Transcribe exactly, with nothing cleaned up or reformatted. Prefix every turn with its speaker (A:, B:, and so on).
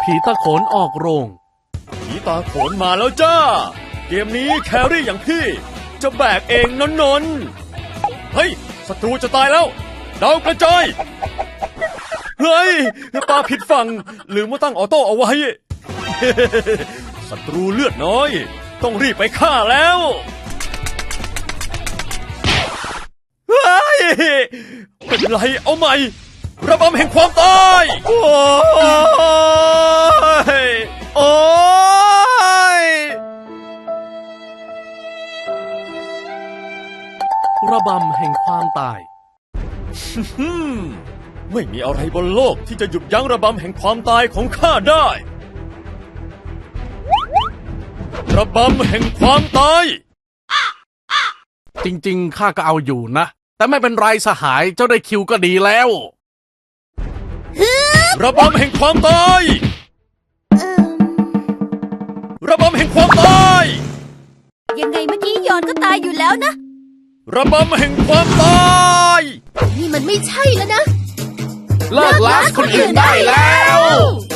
A: ผีตาโขนออกโรง
B: ผีตาโขนมาแล้วจ้าเกมนี้แครี่อย่างพี่จะแบกเองนนนนเฮ้ยศัตรูจะตายแล้วดาวกระจายเฮ้ยปาผิดฝั่งลืมว่าตั้งออโต้เอาไว้ ศัตรูเลือดน้อยต้องรีบไปฆ่าแล้วเฮ้ยเป็นไรเอาใหม่ระบำแห่งความตายโอ้ยโอ้ย
A: ระบำแห่งความตาย
B: ไม่มีอะไรบนโลกที่จะหยุดยั้งระบำแห่งความตายของข้าได้ระบำแห่งความตาย
A: จริงๆข้าก็เอาอยู่นะแต่ไม่เป็นไรสหายเจ้าได้คิวก็ดีแล้ว
B: ระบำแห่งความตายระบำแห่งความตาย
C: ยังไงเมื่อกี้ยอนก็ตายอยู่แล้วนะ
B: ระบำแห่งความตาย
C: นี่มันไม่ใช่แล้วนะ
A: เลิกล้าคนอื่นได้แล้ว